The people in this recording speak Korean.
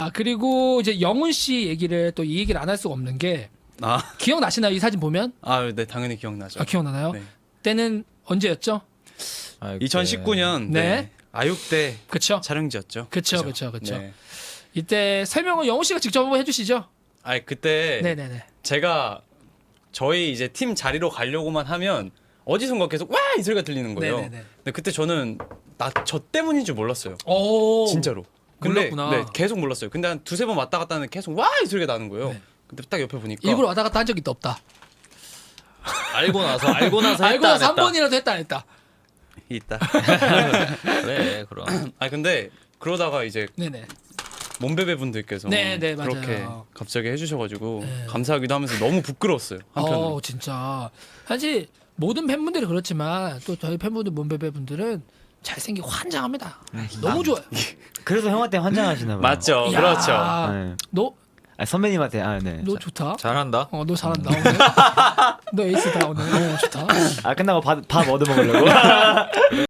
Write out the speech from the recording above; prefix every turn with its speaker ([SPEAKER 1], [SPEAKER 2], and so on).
[SPEAKER 1] 그리고 이제 영훈 씨 얘기를 또 이 얘기를 안 할 수가 없는 게 기억나시나요? 이 사진 보면?
[SPEAKER 2] 네, 당연히 기억나죠.
[SPEAKER 1] 기억나나요?
[SPEAKER 2] 네.
[SPEAKER 1] 때는 언제였죠?
[SPEAKER 2] 2019년
[SPEAKER 1] 네.
[SPEAKER 2] 아육대
[SPEAKER 1] 그쵸?
[SPEAKER 2] 촬영지였죠.
[SPEAKER 1] 그쵸.
[SPEAKER 2] 네.
[SPEAKER 1] 이때 설명을 영훈 씨가 직접 한번 해주시죠.
[SPEAKER 2] 그때
[SPEAKER 1] 네네네.
[SPEAKER 2] 제가 저희 이제 팀 자리로 가려고만 하면 어디선가 계속 와 이 소리가 들리는 거예요.
[SPEAKER 1] 네네네.
[SPEAKER 2] 근데 그때 저는 저 때문인 줄 몰랐어요.
[SPEAKER 1] 오.
[SPEAKER 2] 진짜로. 근데
[SPEAKER 1] 몰랐구나.
[SPEAKER 2] 네, 계속 몰랐어요. 근데 한 두세 번 왔다 갔다 하는 계속 와 이 소리가 나는 거예요.
[SPEAKER 1] 네.
[SPEAKER 2] 근데 딱 옆에 보니까
[SPEAKER 1] 일부러 왔다 갔다 한 적이 없다.
[SPEAKER 3] 알고 나서 했다
[SPEAKER 1] 알고
[SPEAKER 3] 안
[SPEAKER 1] 나서 한
[SPEAKER 3] 했다.
[SPEAKER 1] 번이라도 했다 안 했다.
[SPEAKER 2] 있다.
[SPEAKER 3] 그래 그럼.
[SPEAKER 2] 근데 그러다가 이제
[SPEAKER 1] 네네.
[SPEAKER 2] 몸베베 분들께서
[SPEAKER 1] 네, 맞아요.
[SPEAKER 2] 그렇게 갑자기 해주셔가지고
[SPEAKER 1] 네.
[SPEAKER 2] 감사하기도 하면서 너무 부끄러웠어요. 한편으로.
[SPEAKER 1] 진짜. 사실 모든 팬분들이 그렇지만 또 저희 팬분들 몸베베 분들은 잘생기고 환장합니다. 너무 좋아요.
[SPEAKER 4] 그래서 형한테 환장하시나 봐요.
[SPEAKER 2] 맞죠.
[SPEAKER 1] 야.
[SPEAKER 2] 그렇죠.
[SPEAKER 4] 네.
[SPEAKER 1] 너
[SPEAKER 4] 선배님한테 네.
[SPEAKER 1] 너 좋다.
[SPEAKER 3] 잘한다.
[SPEAKER 1] 너 잘한다 오늘. 너 에이스다 오늘. 좋다.
[SPEAKER 4] 끝나고 밥 얻어 먹으려고.